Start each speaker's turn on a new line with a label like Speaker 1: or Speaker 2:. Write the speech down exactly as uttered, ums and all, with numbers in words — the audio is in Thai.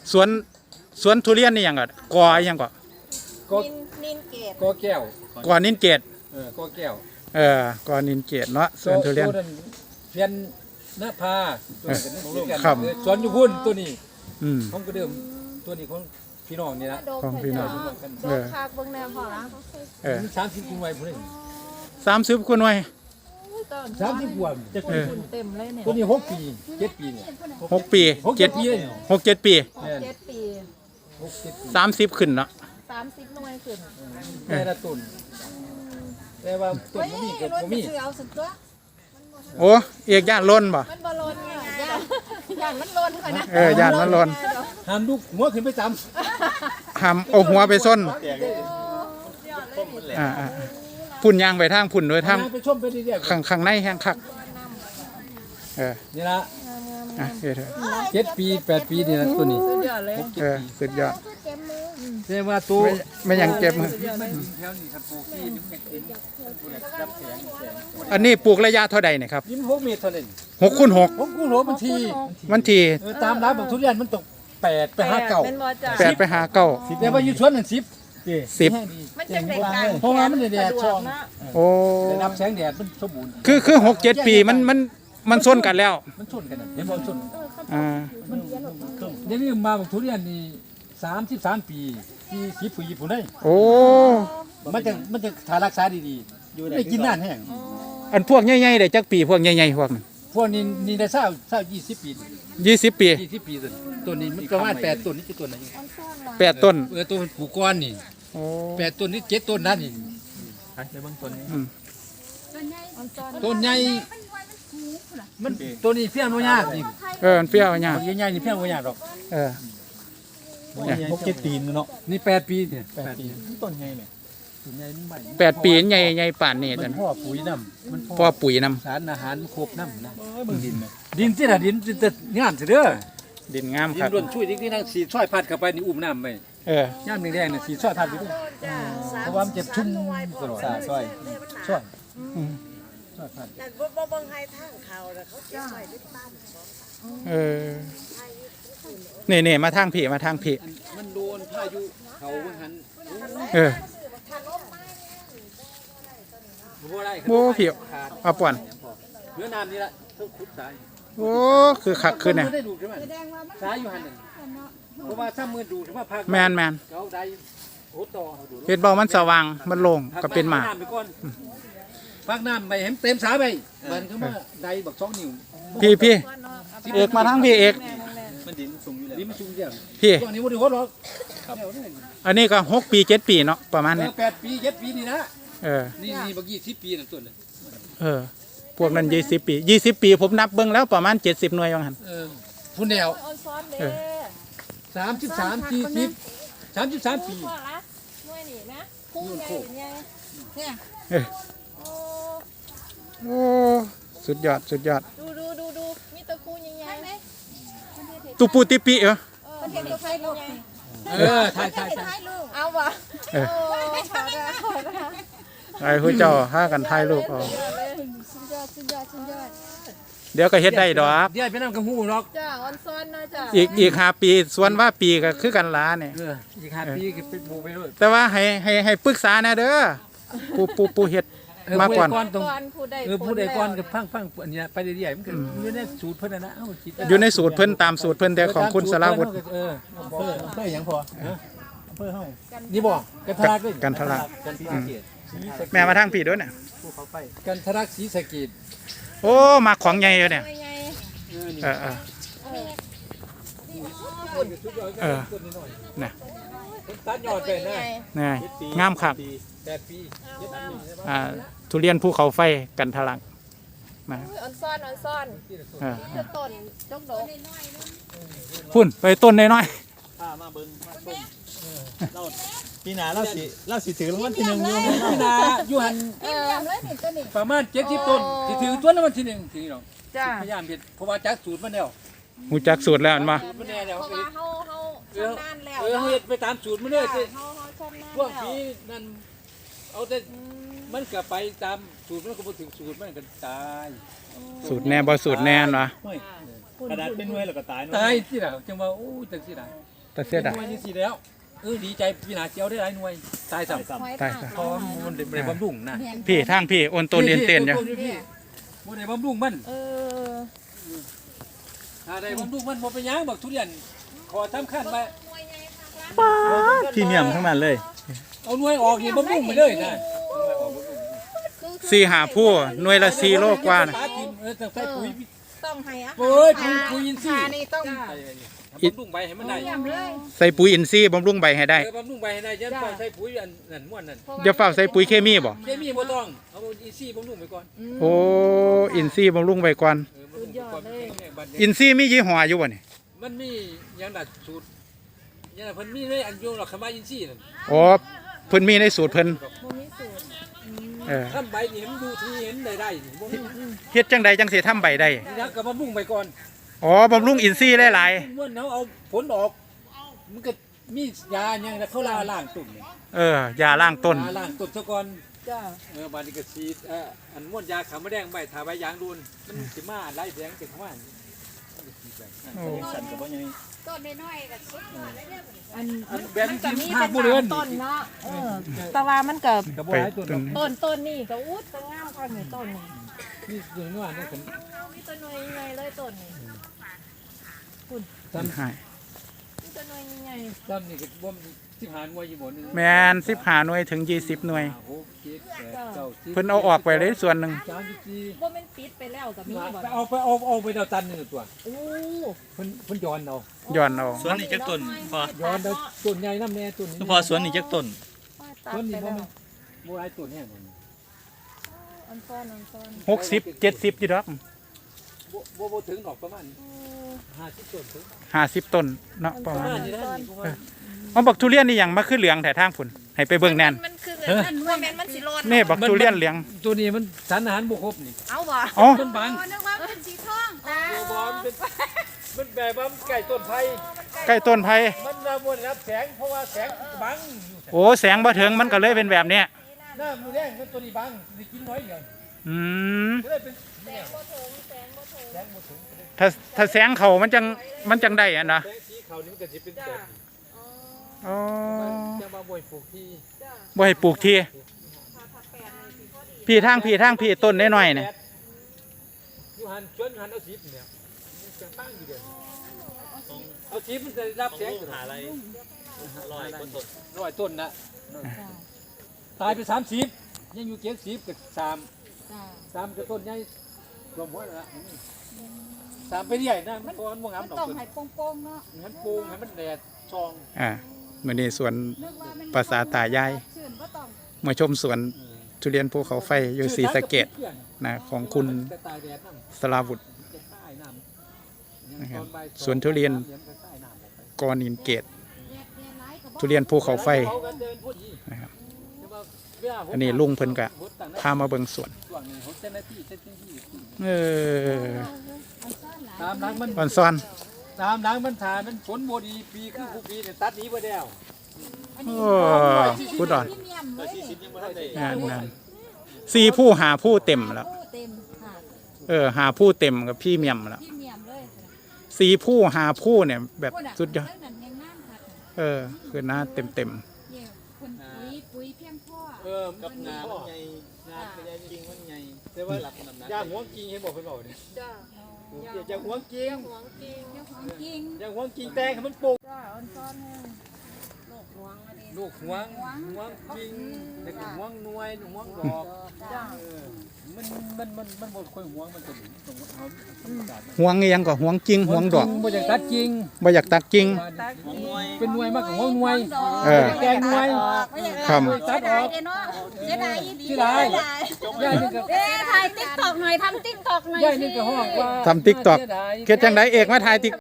Speaker 1: สวนสวนทุเรียนนี่ยังก่อนกอยังก่อน
Speaker 2: ก็
Speaker 3: นินนินเกต
Speaker 2: ก็แก้ว
Speaker 1: กอนินเกต
Speaker 2: เออก็แก้ว
Speaker 1: เออกอนินเกตเนาะสวนทุเรียน
Speaker 2: ตัวเพียนหน้าผาตัวนี้กัน
Speaker 1: ครับ
Speaker 2: เออสวนอยู่พุ่นตัวนี้
Speaker 1: อืม
Speaker 2: ของก็เดิมตัวนี้ของพี่น้องนี่ละ
Speaker 1: ของพี่น้อง
Speaker 3: โดนคากเบิ่งแนวพอละ
Speaker 1: เออ
Speaker 2: สามสิบกุมไว้พุ่นนี่
Speaker 1: สามสิบคุณไว้
Speaker 2: สามสิบกว่าจะ
Speaker 1: เออ
Speaker 3: เต็มเลยเนี่ย
Speaker 2: ตัวนี้หกปีเจ็ดปีเนี่ย
Speaker 1: หกปี
Speaker 2: หกเจ็ดปีเลย
Speaker 1: หกเจ็ดปี
Speaker 2: แม่น
Speaker 3: เจ็ดปี
Speaker 2: หกเจ็ดปี
Speaker 1: สามสิบขึ้นเนาะ
Speaker 3: สามสิบหน่วยขึ้น
Speaker 2: แต่ละต้นแต่ว่าต้นบ่มีเกิดบ่มี
Speaker 3: ซื้อเอาสุดตัว
Speaker 1: โอ้เอกย่านล้นบ่
Speaker 3: มันบอลนไงย่านย่านมันลนค่ะนะ
Speaker 1: เออย่านมันล้น
Speaker 2: ห้ามลูกหัวขึ้นไปจ
Speaker 1: หามเอาหัวไปส้นอ่าอ่าพุ่นยางไปทางพุ่นโดย
Speaker 2: ำ
Speaker 1: ทาง
Speaker 2: ไปชมไปเรื่อยๆ
Speaker 1: ข้างข้างในแห้งคักเออ
Speaker 2: นี่ละ
Speaker 1: อ่ะเฮ็ดเถอะ
Speaker 2: เจ็ดปีแปดปีนี่นะตัวนี้
Speaker 3: สุดยอดเลย
Speaker 2: หกเจ็
Speaker 1: เอ
Speaker 2: ด
Speaker 1: อ
Speaker 2: ปี
Speaker 1: สุดยอด
Speaker 2: แต่ว่าตัว
Speaker 1: ไม่ไม่ยังเจ็บมือ
Speaker 2: แถวนี้ครับปลูกที่นี่มันเห็นรับแสงแสง
Speaker 1: อันนี้ปลูกระยะเท่าใดเนี่ยครับ
Speaker 2: ยิ้มหกเมตรเท่านั้น
Speaker 1: หกคูณหก
Speaker 2: ผมกูรู้บางที
Speaker 1: วันที่
Speaker 2: เออตามร้านบางทุเรียนมันตกแปดไปห้าเก่า
Speaker 3: เป็นบอจ่า
Speaker 1: แปดไปหาเก้า
Speaker 2: แต่ว่าอยู่สวนนั่นสิบ
Speaker 1: สิบ
Speaker 3: มันจังได้การ
Speaker 2: เพราะว่ามันได้แดดช่อง
Speaker 1: โอ้
Speaker 2: ได้รับแสงแดดมันสมบูรณ์
Speaker 1: คือคือหกเจ็ดปีมันมันมันส้นกันแล้ว
Speaker 2: มันชนกันน่ะเห็นบ่ชน
Speaker 1: อ่า
Speaker 2: เดี๋ยวนี้มาบางทุเรียนนี่สามสิบสามปีที่สิบปีญี่ปุ่นได้
Speaker 1: โอ้
Speaker 2: มันจะมันจะถ้ารักษาดีๆไม่กินนานแห้ง
Speaker 1: อันพวกใหญ่ๆเด้จักปีพวกใหญ่ๆพวกนั้น
Speaker 2: พวกนี้นี่ได้เศร้าเศร้ายี่สิบปี
Speaker 1: ยี่สิบปี
Speaker 2: ยี่สิบปีต้นต้นนี้มันประมาณแปดต้นนี่คือต้นไหน
Speaker 1: แปดต้น
Speaker 2: เออตัวมันปลูกก้อนนี่
Speaker 1: โอ้
Speaker 2: แปดต้นนี่เจ็ดต้นนั่นนี่
Speaker 1: อืม
Speaker 2: ต้นใหญ่มันตัวนี้เพี้ยนบ่ยากนี่
Speaker 1: เออมันเปรี้ยวเนี่ย
Speaker 2: บางใหญ่ๆนี่เพี้ยนบ่ยากหรอก
Speaker 1: เออ
Speaker 4: หกเจ็ดปีนเนาะ
Speaker 2: นี่แปดปีเนี่ย
Speaker 4: แปดปีต้นไงเนี่ย
Speaker 2: ต้นใหญ่มันใหม่
Speaker 1: แปดปีใหญ่ใหญ่ป่านนี่
Speaker 4: มั
Speaker 1: แต่
Speaker 4: นพ่อปุ๋ยน้ำมัน
Speaker 1: พ่อปุ๋ยนำ
Speaker 2: สารอาหารครบน้ำนะ
Speaker 4: เอ้ยมึงดินเนี่ย
Speaker 2: ดินที่น่ะดินจะงามสิเด้อ
Speaker 1: ดินงาม
Speaker 2: ดิ
Speaker 1: คน รับ
Speaker 2: ร่วนช่วยดิที่นั่งสีช่อยพัดเข้าไปนี่อุ้มน้ำไป
Speaker 1: เออ
Speaker 2: ย่ามแดงๆน่ะสีช่อยพัดไปด้วยเพราะว่ามันจะชุ่มตลอด
Speaker 4: สาซอย
Speaker 2: ช่อย
Speaker 1: อืม
Speaker 2: ช่อยพัด
Speaker 5: แต่บ่บ่เบิ่งให้ทางเขาแล้วเขาเก็บไว้ในบ้าน
Speaker 1: เออนี่นี่มาทางพี่มาทางพี่
Speaker 2: มันโดนพายุเขามันหัน
Speaker 1: เออ
Speaker 2: บ่ได้
Speaker 1: โอ้พี่เอาป่วน
Speaker 2: เนื้อน้ำนี่ละต้องขุดสาย
Speaker 1: โอ้คือคักขึ้นเนี่ย
Speaker 2: มัได้ดูใช่ไหมสายอยู่หันนึงเพราะว่าถ้ามือดูใช่ไหมภาค
Speaker 1: แมนแมน
Speaker 2: เขาได้โหต่อเขาดู
Speaker 1: เฮ็ดเบามันสว่างมันโล่งก็เป็นหมาก
Speaker 2: พัน้ำไปก่อนพักน้ำไปให้มันเต็มสาไปมันก็มาได้บักสองนิ้ว
Speaker 1: พี่พี่เอกมาทางพี่เอก
Speaker 4: มันดินสูงอยู่แล้ว
Speaker 2: นี่มันสูงเดียว
Speaker 1: พี่
Speaker 2: ช่วงนี้วันนี้วัดหรอก
Speaker 1: อันนี้ก็หกปีเจ็ดปีเนาะประมาณ
Speaker 2: เอ
Speaker 1: นี้
Speaker 2: อแปดปีเจ็ดปีนี่นะ
Speaker 1: เออ
Speaker 2: นี่นี่บักยี่สิบปีนั่นตัวนึง
Speaker 1: เออ พวกนั้นยี่สิบปียี่สิบปีผมนับเบิ่งแล้วประมาณเจ็ดสิบหน่วยว่างั้น
Speaker 2: เออพุ่นแนว
Speaker 3: ออนซ้อนเด้
Speaker 1: เออ
Speaker 2: สามสิบสามสี่สิบสามสิบสามปี
Speaker 3: พอละหน่วยนี่นะคู่ใหญ่ใหญ่เนี่ย
Speaker 1: เออ
Speaker 3: โอ้
Speaker 1: โอ้สุดยอดสุดยอด
Speaker 3: ดูดูดูดูมีตะคูใหญ่ๆไหม
Speaker 1: ตุปูติปิเออ
Speaker 3: ประเทศตัวไทยลูก
Speaker 2: เออถ่ายถ่ายถ่าย
Speaker 3: เอาวะ
Speaker 1: เออ
Speaker 3: โอ้ขอได้ขอได้
Speaker 1: ไอ้ผู้เจ้าหากันถ่ายรูปเอา
Speaker 3: สุดยอดสุดยอดสุดยอด
Speaker 1: เดี๋ยวก็เฮ็ดได้ดอก
Speaker 2: เดี๋ยวไปนั่งกับหูหรอก
Speaker 3: จ้าออนซ้อนนะจ้า
Speaker 1: อีกอีกห้าปีส่วนว่าปีก็คือกันหลาเนี่ย
Speaker 2: เอออีกห้าปีก็เป็นบูไปด้วย
Speaker 1: แต่ว่าให้ให้ให้ปรึกษาแน่เด้อปูปูปูเฮ็ดมาก่อน
Speaker 2: ตรง
Speaker 3: ก่อนผู้ใด
Speaker 2: เออผู้ใดก่อนกับพังพังอันนี้ไปเรื่อยๆมันก็อยู่ในสูตรเพิ่นนะนะเอ้าคิด
Speaker 1: อยู่ในสูตรเพิ่นตามสูตรเพิ่นแต่ของคุณสราวุฒิ
Speaker 2: เออ
Speaker 4: อำเภออำเภอหยังพออำเภอเฮา
Speaker 2: นี่บอกกันทรักเลย
Speaker 1: กันทะลัก
Speaker 4: กันที่เกียรติ
Speaker 1: แม่มาทางพี่ด้วยเนี่ย
Speaker 4: ภูเขาไฟ
Speaker 2: กันทรักศรีสะเกษ
Speaker 1: โอ้มาของใหญ่เลยเนี่ย
Speaker 3: ใหญ่
Speaker 1: เออเออเออเนี่ย
Speaker 2: ตัดยอดไปนะ
Speaker 1: นี่งามคัก
Speaker 2: แปดปี
Speaker 1: อ่าทุเรียนภูเขาไฟกันทะลักนะ
Speaker 3: ออนซ้อนออนซ้อน
Speaker 1: เออ
Speaker 3: จะต้นจกดก
Speaker 1: พุ่นไปต้นน้อย
Speaker 4: พามาเบิ่งมาชมเราปีหน้าเราสิเราสิถือรางวัลที่หนึ่งอยู่
Speaker 2: พี่นาอยู่หัน
Speaker 3: เออเลยนี่ตัวนี้
Speaker 2: ประมาณเจ็ดสิบต้นที่ถือตัวละวันที่หนึ่งทีนี้เนาะ
Speaker 3: จ้า
Speaker 2: พยายามเห็นเพราะว่าจักสูตรมันแล้ว
Speaker 1: ๆหูจักสูตรแล้วอันมา
Speaker 2: สูตรมันแน่แล้ว
Speaker 3: เพราะว่าเฮาเฮาชำนาญแล้ว
Speaker 2: เออเฮ็ดไปตามสูตรมันเลย
Speaker 3: เฮาเฮาชำนาญ
Speaker 2: ช่วง
Speaker 3: แล้ว
Speaker 2: ปีนั้นเอาแต่มันก็ไปตามสูตรมันก็บ่ถึงสูตรมันก็ตาย
Speaker 1: สูตรแน่บ่สูตรแน่นวะ
Speaker 4: กระดาษเป็นหน่วยแล้วก็ตายเนาะ
Speaker 2: ตายที่ล่ะจังว่าโอ้จังสิได้
Speaker 1: แต่เสียดาย
Speaker 2: หน่วยนี่สิแล้วเออดีใจพี่นาเจียวได้หลายหน่วยตายซ้ำ
Speaker 3: หอย
Speaker 1: ตาย
Speaker 3: ทาก
Speaker 2: เพราะว่ามันได้บำรุงนะ
Speaker 1: พี่ทางพี่โอนตัวเรียนเต้นอยู่
Speaker 2: พี่บ่ได้บำรุงมัน
Speaker 3: เออ
Speaker 2: ถ้าได้บำรุงมันบ่เป็นหยังบักทุเรียนขอสำคัญว่า
Speaker 1: พรีเมียมทั้งนั้นเลย
Speaker 2: เอาหน่วยออกนี่บำรุงไปเลยนะ
Speaker 1: สี่หาผู้หน่วยละสี่โลกว่านะ
Speaker 2: ตาทิมเออแต่ใส่ปุ๋ย
Speaker 3: ต้องให้อา
Speaker 2: เอ้ยปุ๋ยปุ๋ยอินทรีย์
Speaker 3: นี่ต้อง
Speaker 2: บำรุงใบให้มันได้
Speaker 3: เยี่ยมเลย
Speaker 1: ใส่ปุ๋ยอินทรีย์บำรุงใบให้ได้
Speaker 2: เออบำรุงใบให้ได้ยันต้องใส่ปุ๋ยอันนั่นม่วนนั่น
Speaker 1: อย่าเฝ้าใส่ปุ๋ยเคมีบ่
Speaker 2: เคมีบ่ต้องเอาอินทรีย์บำรุงไปก่อน
Speaker 1: โอ้อินทรีย์บำรุงใบก่อน
Speaker 2: เออบำรุงไปก่อนแข็งแรงบัดนี้
Speaker 1: อินทรีย์มียี่ห้ออยู่บ่นี่
Speaker 2: มันมีหยังดัดสูตรหยังดัดเพิ่นมีเลยอันโยงหรอกคำว่าอินทรีย์นั่น
Speaker 1: อ๋อเพิ่นมีในสูตรเพิ่น
Speaker 3: บ่มีสูตร
Speaker 1: เออ
Speaker 2: ทำใบนี่มันดูทีเห็นได้ได้นี่บ่มี
Speaker 1: เฮ็ดจังใดจังสิทำใบได้
Speaker 2: นี่นะก็บำรุงไปก่อน
Speaker 1: อ๋อบำรุงอินทรีย์หลาย
Speaker 2: ม่วนเอาเอาผลออกมันก็มียาหยังนะเขาลาล้างตุ่มนี่
Speaker 1: ๆเออยาล้างต้น
Speaker 2: ยาล้างตุ่มซะก่อน
Speaker 3: จ้า
Speaker 2: เออบาดนี้ก็ฉีดเอ่ออันม่วนยาขาวมะแดงใบทาใบยางดูนมันสิมาไล่แสงเก็บเข้ามานี่มันจะฉีดไป
Speaker 1: โอ้
Speaker 4: สั่นกับว่ายัง
Speaker 3: ต้นน้อยๆก็สุดยอดเลยเนี่ยอัน
Speaker 2: อันแบน
Speaker 3: มันก็
Speaker 2: จิ้ม
Speaker 3: มี
Speaker 2: ห้า
Speaker 3: เป็น
Speaker 2: ผู้เรือน
Speaker 3: ต้นเนาะเออแต่ว่ามันก็
Speaker 2: กระบอก
Speaker 1: ไป
Speaker 2: หลายตัว
Speaker 1: ต้น
Speaker 3: ต้นต้นนี่ก็อุดก็งามกว่านี่ต้นนี่
Speaker 2: นี่ตัวนี้ว่านี่เป็น
Speaker 3: เอามีต้นน้อยใหญ่เลยต้นนี่
Speaker 2: ซ้
Speaker 1: ให้
Speaker 3: มีต้นน้อยใหญ่
Speaker 2: ำซ้ำนี่ก็บ่มสิบหาหน่วยอยู่บ่นี่
Speaker 1: แมนสิบหาหน่วยถึงยี่สิบหน่วย
Speaker 2: หกเจ็ดแปดเก้าสิบ
Speaker 1: เพิ่นเอาออกไปเลยส่วนหนึ่ง
Speaker 2: สามสิบสี่
Speaker 3: บ่แม่นปิดไปแล้วก็มีบ่
Speaker 2: ไปเอาไปเอาเอาไปเอาตันหนึงตัว
Speaker 3: โอ้
Speaker 2: เพิ่นเพิ่นย้อนเอา
Speaker 1: ย้อนเอา
Speaker 4: สวนนี่จักต้นพอ
Speaker 2: ย้อนเอาต้นใหญ่น้ำแน่ต้นนี้
Speaker 4: พอสวนนี่จักต้น
Speaker 3: ตัด
Speaker 2: ต้น
Speaker 3: ไป
Speaker 2: นี้บ่
Speaker 3: แล้ว
Speaker 2: มันบ่หลายต้นแน่นอน
Speaker 3: อันซ้อนอันซ้อน
Speaker 1: หกสิบเจ็ดสิบอยู่ดอก
Speaker 2: บ่บ่บ่ถึงดอกประมาณห้าสิบต้นถึง
Speaker 1: ห้าสิบต้นเนาะประ
Speaker 2: ประ
Speaker 1: มาณ
Speaker 2: มาณนี้นะนี่ประมาณ
Speaker 1: เอาบักทุเรียนนี่หยังมาขึ้นเหลืองแต่ทางฝุ่นให้ไปเบิ่งแน่น
Speaker 3: มันคือเงินมันว่าแม่นมันสิรอด
Speaker 1: นี่บักทุเรียนเหลือง
Speaker 2: ตัวนี้มันสารอาหารบ่ครบนี่
Speaker 3: เอาบ่
Speaker 1: อ๋อ
Speaker 2: มันบาง
Speaker 3: นึกว่าเป็นสีทองตา
Speaker 2: ตัวบอมเป็นมันแบบว่ามันใกล้ต้นไผ่
Speaker 1: ใกล้ต้นไผ่
Speaker 2: มันน่ะบ่ได้รับแสงเพราะว่าแสงบังอยู่
Speaker 1: โอ้แสงบ่ถึงมันก็เลยเป็นแบบเนี้ย
Speaker 2: หน้ามือแดงมันตัวนี้บังสิกินน้อยเดียว
Speaker 1: อืม
Speaker 2: ก็เลยเป็น
Speaker 3: แสงบ่ถึงแสงบ่ถึง
Speaker 2: แสงบ่ถึง
Speaker 1: ถ้าถ้าแสงเขามันจังมันจังได้อะนะ
Speaker 2: แสงสีขาวนี่มันก็สิเป็นแบบนี้
Speaker 1: อ๋อ
Speaker 2: จะมาบ่อยปลูกที่
Speaker 1: บ่ให้ปลูกทีพี่ทางพี่ทางพี่ต้นน้อยๆเนี่ย
Speaker 2: อยู่หันชวนหันเอาสีเนี่ยมันจะตั้งอยู่เดียวเอาสีมันจะรับแสง
Speaker 4: หาอะไรลอยต้นต้น
Speaker 2: ร้อยต้นนะตายไปสามสิบยังอยู่เจ็ดสิบกับสามสามกับต้นใหญ่รวมหัวแล้วสามไปเรื่อยนะมันตัวมันบ่งามดอก
Speaker 3: ต้อง
Speaker 2: ต้น
Speaker 3: ให้โป่งๆเนาะ
Speaker 2: ให้มันปลูกให้มันแดดซอง
Speaker 1: อ่ามื้อนี้สวน
Speaker 3: นึกว่ามัน
Speaker 1: ภาษาตายาย
Speaker 3: ชื่นบ่ต้อง
Speaker 1: มาชมสวนทุเรียนภูเขาไฟอยู่ศรีสะเกษนะของคุณสลาวุฒินะครับสวนทุเรียนกอนินเกต ทุเรียนภูเขาไฟนะครับ อันนี้ลุงเพิ่นกะพามาเบิ่งสวน เออ
Speaker 2: ตามหลังมัน
Speaker 1: อ่อนซ่อน
Speaker 2: ตามหลังมันถ่ายมันฝนบ่ดีปีคือผู้ปีเนี่ยตัดหนี้บ่แล้ว
Speaker 1: โอ้พูดอ่อน
Speaker 3: พรีเมียมเลย
Speaker 4: สี่สิบยังไม่ทันได้
Speaker 1: งานนั้นสี่ผู้หาผู้เต็มแล้ว
Speaker 3: เต็มค่ะ
Speaker 1: เออ หาผู้เต็มกับพี่เมียมแล้ว
Speaker 3: พรีเมียมเลย
Speaker 1: สี่ผู้หาผู้เนี่ยแบบสุดยอด
Speaker 3: เรื่องนั้นยังนั่งค่ะ
Speaker 1: เออ คือหน้าเต็มเต็ม
Speaker 3: เนี่ยคนปุ๋ยปุ๋ยเพียงพ่อ
Speaker 2: เออ
Speaker 4: กับงานมันใหญ่งานก็ใหญ่จริงมันใหญ่
Speaker 2: แต่ว่า
Speaker 4: หลักน้ำหนัก
Speaker 2: ย่างหัวกิงให้บอกเพิ่นบอกนี่
Speaker 3: จ้า
Speaker 2: อย่าหัวกิง
Speaker 3: หวงจริงเจ้าของจริง
Speaker 2: อย่าหัวกิงแตงให้มันปลูก
Speaker 3: จ้าอ่อนซ้อนแห้งโลกหวงอันนี้
Speaker 2: ลูกหัวหัวกิงแล้วก็หัวหน่วยหัวดอก
Speaker 3: จ้า
Speaker 2: เออมันมันมันมันบ่ค่อยหัวมันจะต้องเอาธรรมชาติ
Speaker 1: ๆห่วงเอียงก็ห่วงจริงห่วงดอก
Speaker 2: บ่อยากตัดจริง
Speaker 1: บ่อยากตักจริง
Speaker 3: ตัก
Speaker 4: ของหน่วย
Speaker 2: เป็นหน่วยมากกว่าหัวหน่วย
Speaker 1: เออ
Speaker 2: แกงหน่วย
Speaker 1: ครับ
Speaker 3: เสียดายเนาะเสียดายอีหลี
Speaker 2: ที่ไรย่ายนี่ก็
Speaker 3: เอ๊ะถ่ายติ๊กตอกหน่อยทำติ๊กตอกหน่อย
Speaker 2: ย่ายนี่ก็ห้องว่า
Speaker 1: ทำ TikTok เฮ็ดจังไดเอกมาถ่ายติ๊ก